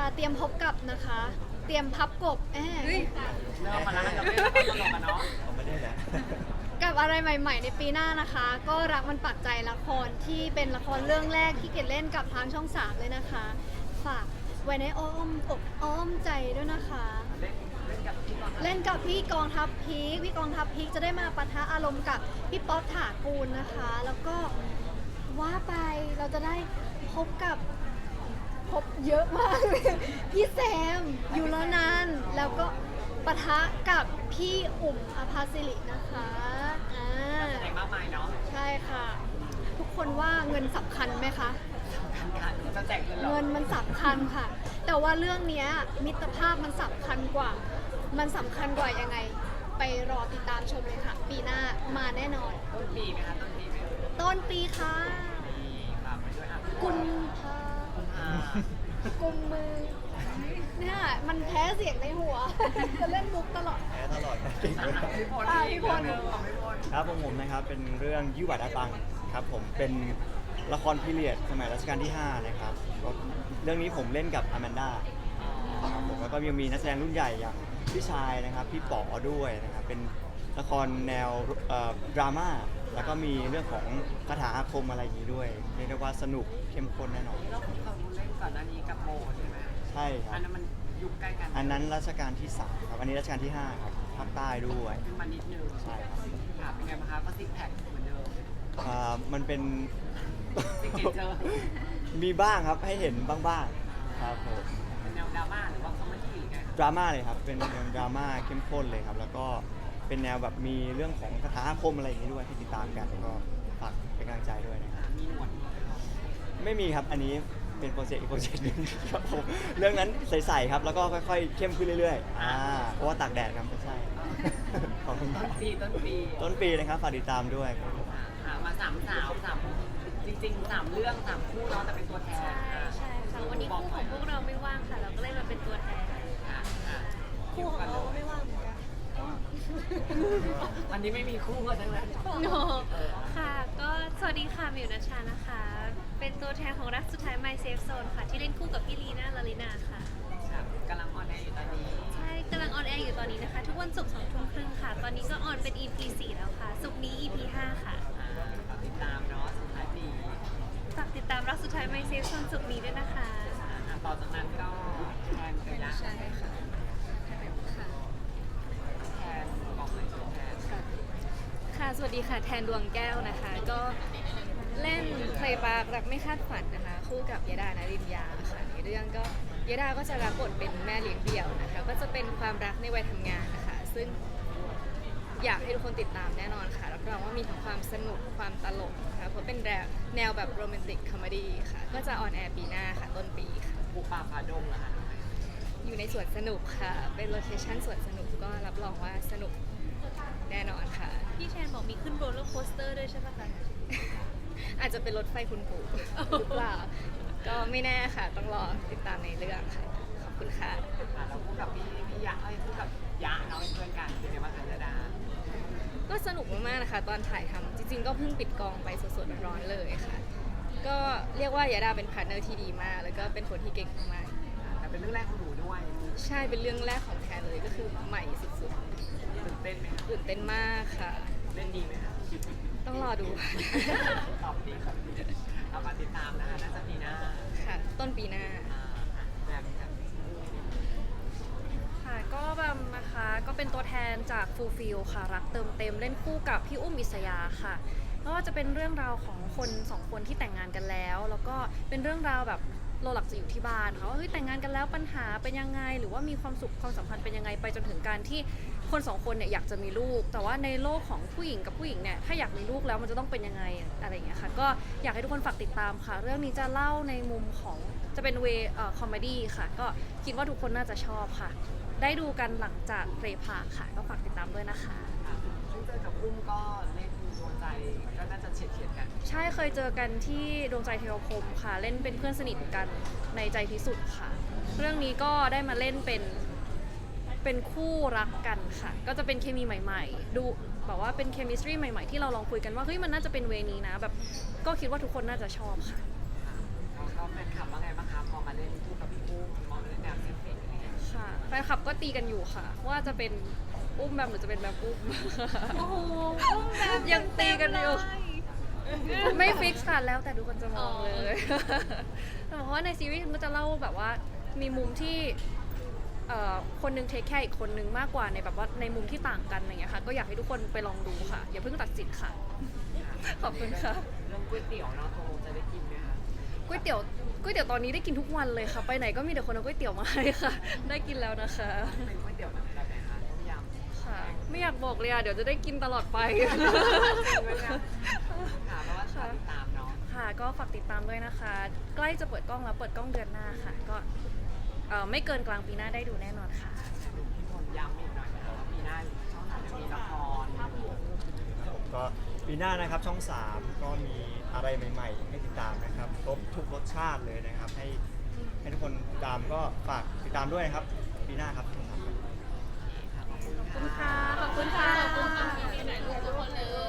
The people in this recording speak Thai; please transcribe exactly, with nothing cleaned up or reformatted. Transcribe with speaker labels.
Speaker 1: ค่ะเตรียมพบกับนะคะ เตรียมพับกบแอบ
Speaker 2: เริ่มมาแล้วเราไม่ได้ตลกกันเนาะ
Speaker 3: เขาไม่ได้แหละ
Speaker 1: กับอะไรใหม่ ๆ ในปีหน้านะคะ ก็รักมันปักใจละครที่เป็นละครเรื่องแรกที่เกดเล่นกับทางช่องสามเลยนะคะ ฝากไว้ในอ้อมอกอ้อมใจด้วยนะคะ
Speaker 2: เล่นเล่นกับพี่ก่อน
Speaker 1: เล่นกับพี่กองทัพพีคพี่กองทัพพีคจะได้มาปะทะอารมณ์กับพี่ป๊อปถากูลนะคะ แล้วก็ว่าไปเราจะได้พบกับพบเยอะมากเลยพี่แซมอยู่แล้วนั้นแล้วก็ปะทะกับพี่อุ่มอภาสิรินะคะอ่า
Speaker 2: แสดงมากมายเนาะ
Speaker 1: ใช่ค่ะ ทุกคนว่าเงินสำคัญไหมคะ
Speaker 2: การการจะแจกเงินเหรอ
Speaker 1: เงินมันสำคัญค่ะ แต่ว่าเรื่องเนี้ยมิตรภาพมันสำคัญกว่า มันสำคัญกว่ายังไง ไปรอติดตามชมเลยค่ะ ปีหน้ามาแน่นอน
Speaker 2: ต้นปีไหมคะต้นปีไหม
Speaker 1: ต้นปีค่ะ
Speaker 2: ปีฝากไปด้วยอ่ะ
Speaker 1: กุมภา
Speaker 2: อ่า
Speaker 1: กุมมือเนี่ยมันแพ้เสียงในหัว จะเล่นมุกตลอด
Speaker 3: แพ้ตลอดเก่งเลย
Speaker 2: พี่พล
Speaker 1: อ่ะ
Speaker 2: อีก
Speaker 1: พี่พล
Speaker 2: เรื่องหนึ่งของพี่พล
Speaker 3: ครับผมผมนะครับเป็นเรื่องยี่หวัดอาตังครับผมเป็นละครพีเรียดสมัยรัชกาลที่ห้านะครับก็เรื่องนี้ผมเล่นกับอแมนด้าครับผมแล้วก็ยังมีนักแสดงรุ่นใหญ่อย่างพี่ชายนะครับพี่ป๋อด้วยนะครับเป็นละครแนวเอ่อดราม่าแล้วก็มีเรื่องของคาถาอาคมอะไรอย่างนี้ด้วยเรียกได้ว่าสนุกเข้มข้นแน่นอน
Speaker 2: นี่เราเคยเล่นก่อนหน้านี้กับโมใช่ไหม
Speaker 3: ใช่ครั
Speaker 2: อั
Speaker 3: บ
Speaker 2: นนั้นมันยุคใกล้กัน
Speaker 3: อันนั้นรัชกาลที่สามครับอันนี้รัชกาลที่ห้าครับภาคใต้ด้วย
Speaker 2: ขึ้นมานิดนึง
Speaker 3: ใช่ครับ
Speaker 2: ค่ะเป็นไงบ้างคะก็ซิกแพคเหมือนเดิม
Speaker 3: อ่ามันเป็น
Speaker 2: ซิกเนเจอร์
Speaker 3: มีบ้างครับให้เห็นบ้างๆครับผม
Speaker 2: เป็นแนวดราม่าหรือว่าคอมเมดี้หรือไงคะ
Speaker 3: ดราม่าเลยครับเป็นแนวดราม่าเข้มข้นเลยครับ แล้วก็เป็นแนวแบบมีเรื่องของคาถาอาคมอะไรอย่างนี้ด้วยที่ติดตามกันก็ฝากเป็นกำลังใจด้วยนะครับ
Speaker 2: อ่ามีหนวด
Speaker 3: ไม่มีครับอันนี้เป็นโปรเจกต์อีกโปรเจกต์หนึงครับผมเรื่องนั้นใสๆครับแล้วก็ค่อยๆเข้มขึ้นเรื่อยๆอ่าเพราะว่าตากแดดครับไม่ใช่ ขอบคุณค
Speaker 2: ต้
Speaker 3: รับ
Speaker 2: นปีต้นปี
Speaker 3: ต้นปีนะครับฝากติดตามด้วยครับผม
Speaker 2: อ่าอ่ามาสามสาวสามจริงๆสามเรื่องสามคู่เนาะแต่เป็นตัวแทน
Speaker 4: ใช่ใช่ค่ะวันนี้คู่ของพวกเราไม่ว่างค่ะ เราก็เลยมาเป็นตัวแทน
Speaker 2: อ่าอ่า
Speaker 1: คู่ของเราก็ไม่ว่างเหมือนกัน
Speaker 2: วันนี้ไม่มีคู่กันทั้งนั้น
Speaker 4: โนค่ะ ก็สวัสดีค่ะมิวนัชชานะคะ เป็นตัวแทนของรักสุดท้าย My Safe Zone ค่ะ ที่เล่นคู่กับพี่ลีน่าลาลินาค่ะ
Speaker 2: ครับกำลังออนแอร์อยู่ตอนนี้
Speaker 4: ใช่กำลังออนแอร์อยู่ตอนนี้นะคะ ทุกวันศุกร์สองทุ่มครึ่งค่ะ ตอนนี้ก็ออนเป็น อี พี สี่แล้วค่ะ ศุกร์นี้ อี พี ห้าค่ะ
Speaker 2: อ่าฝากติดตามเนาะสุดท้ายปี
Speaker 4: ฝากติดตามรักสุดท้าย My Safe Zone ศุกร์นี้ด้วยนะคะ
Speaker 2: อ่าต่อจากนั้นก็แทนไปละ
Speaker 4: ใช่ค่ะค่ะ
Speaker 2: แทนบอกเลยแทน
Speaker 5: ค่ะ สวัสดีค่ะ แทนดวงแก้วนะคะ ก็เล่นเพลย์บาร์รักไม่คาดฝันนะคะ คู่กับยดานารินยาค่ะ ในเรื่องก็ยดาก็จะรับบทเป็นแม่เลี้ยงเดี่ยวนะคะ ก็จะเป็นความรักในวัยทำงานนะคะ ซึ่งอยากให้ทุกคนติดตามแน่นอนค่ะ รับรองว่ามีทั้งความสนุก ความตลกนะคะ เพราะเป็นแนวแนวแบบโรแมนติกคอมเมดี้ค่ะ ก็จะออนแอร์ปีหน้าค่ะ ต้นปีค่ะ
Speaker 2: บุกป่าฝ่าดงเหรอคะ
Speaker 5: อยู่ในสวนสนุกค่ะ เป็นโลเคชั่นสวนสนุกก็รับรองว่าสนุกแน่นอนค่ะ
Speaker 4: พี่แทนบอกมีขึ้นโรลเลอร์โคสเตอร์ด้วยใช่ไหมคะ
Speaker 5: อาจจะเป็นรถไฟคุณปู่หรือเปล่า ก็ไม่แน่ค่ะ ต้องรอติดตามในเรื่องค่ะ ขอบคุณค่ะ
Speaker 2: อ่าเราคู่กับพี่พี่ยะเอ้ยคู่กับยะเนาะเป็นเพื่อนกันเป็นไงบ้างคะยดา
Speaker 5: ก็สนุกมากๆนะคะ ตอนถ่ายทำจริงๆ ก็เพิ่งปิดกองไปสดๆร้อนๆเลยค่ะ ก็เรียกว่ายาดาเป็นพาร์ทเนอร์ที่ดีมาก แล้วก็เป็นคนที่เก่งมาก
Speaker 2: แต่เป็นเรื่องแรกของหนูด้วย
Speaker 5: ๆใช่เป็นเรื่องแรกของแทนเลยก็คือใหม่สุด
Speaker 2: ตื่นเต้นไหมคะ
Speaker 5: ๆตื่นเต้นมากค่ะ
Speaker 2: เล่นดีไหมคะ
Speaker 5: ต้องรอดู
Speaker 2: ตอบดีครับเรามาติดตามนะคะน่าจะปีหน้า
Speaker 5: ค่ะ ต้นปีหน้า
Speaker 2: อ่าแบบแบบ
Speaker 6: ค่ะก็แบมนะคะก็เป็นตัวแทนจาก Fulfill ค่ะรักเติมเต็มเล่นคู่กับพี่อุ้มอิสยาค่ะไม่ว่าจะเป็นเรื่องราวของคนสองคนที่แต่งงานกันแล้ว แล้วก็เป็นเรื่องราวแบบเราหลักจะอยู่ที่บ้านค่ะว่าเฮ้ยแต่งงานกันแล้วปัญหาเป็นยังไง หรือว่ามีความสุขความสัมพันธ์เป็นยังไงไปจนถึงการที่คนสองคนเนี่ยอยากจะมีลูก แต่ว่าในโลกของผู้หญิงกับผู้หญิงเนี่ยถ้าอยากมีลูกแล้วมันจะต้องเป็นยังไงอะไรอย่างเงี้ยค่ะก็อยากให้ทุกคนฝากติดตามค่ะ เรื่องนี้จะเล่าในมุมของจะเป็นเวเอ่อคอมเมดี้ค่ะก็คิดว่าทุกคนน่าจะชอบค่ะ ได้ดูกันหลังจากเพลย์พาร์คค่ะ ก็ฝากติดตามด้วยนะคะ
Speaker 2: ค่ะซึ่งเจอกับอุ้มก็เล่นดวงใจก็น่าจะเฉียดเฉียดๆกัน
Speaker 6: ใช่เคยเจอกันที่ดวงใจเทวคมค่ะ เล่นเป็นเพื่อนสนิทกันในใจพิสุทธิ์ค่ะ เรื่องนี้ก็ได้มาเล่นเป็นเป็นคู่รักกันค่ะ ก็จะเป็นเคมีใหม่ๆ ดูแบบว่าเป็นเคมิสตรีใหม่ๆ ที่เราลองคุยกันว่าเฮ้ยมันน่าจะเป็นเวนี้นะแบบก็คิดว่าทุกคนน่าจะชอบค่ะ
Speaker 2: แล้วก็แฟนคลับว่าไงบ้างคะพอมาเล่นคู่กับพี่อุ้มมองเล่น
Speaker 6: ตีกันอยู่ค่ะ ว่าจะเป็นอุ้มแบมหรือจะเป็นแบมอุ้ม
Speaker 4: โอ้โหอุ้มแบบ
Speaker 6: ยังตีกันอยู่
Speaker 4: เต็ม
Speaker 6: ไม่ฟิกค่ะแล้วแต่ดูคนจะมอง
Speaker 4: อ๋อ
Speaker 6: เลยแต่เพราะว่าในซีรีส์มันจะเล่าแบบว่ามีมุมที่เอ่อคนหนึงเทคแคร์อีกคนนึงมากกว่าในแบบว่าในมุมที่ต่างกันอย่างเงี้ยค่ะก็อยากให้ทุกคนไปลองดูค่ะอย่าเพิ่งตัดสินค่ะ ขอบคุณค่ะ
Speaker 2: เรื่องก๋วยเตี๋ยวเนาะโตจะได้กินไหมคะ
Speaker 6: ก๋วยเตี๋ยวก๋วยเตี๋ยวตอนนี้ได้กินทุกวันเลยค่ะ ไปไหนก็มีแต่คนเอาก๋วยเตี๋ยวมาให้ค่ะ ได้กินแล้วนะคะ
Speaker 2: เป็นก๋วยเตี๋ยวแบบไหนคะต้มยำ
Speaker 6: ค่ะ ไม่อยากบอกเลยอ่ะเดี๋ยวจะได้กินตลอดไป
Speaker 2: จริงไหมคะค่ะเพราะว่าติดตามเนาะ
Speaker 6: ค่ะก็ฝากติดตามด้วยนะคะ ใกล้จะเปิดกล้องแล้วเปิดกล้องเดือนหน้าค่ะ ก็เอ่อไม่เกินกลางปีหน้าได้ดูแน่นอนค่ะ
Speaker 2: พี่พลย้ำอีกหน่อยนะคะว่าปีหน้าช่องสามจะมีละคร
Speaker 3: ผมก็ปีหน้านะครับช่อง สาม ก็มีอะไรใหม่ๆ ให้ติดตามนะครับครบทุกรสชาติเลยนะครับ ให้ให้ทุกคนติดตามก็ฝากติดตามด้วยนะครับ ปีหน้าครับช่องสามครับ
Speaker 6: ขอบคุณค่ะ ขอบคุณค่ะ ขอบคุณค่ะ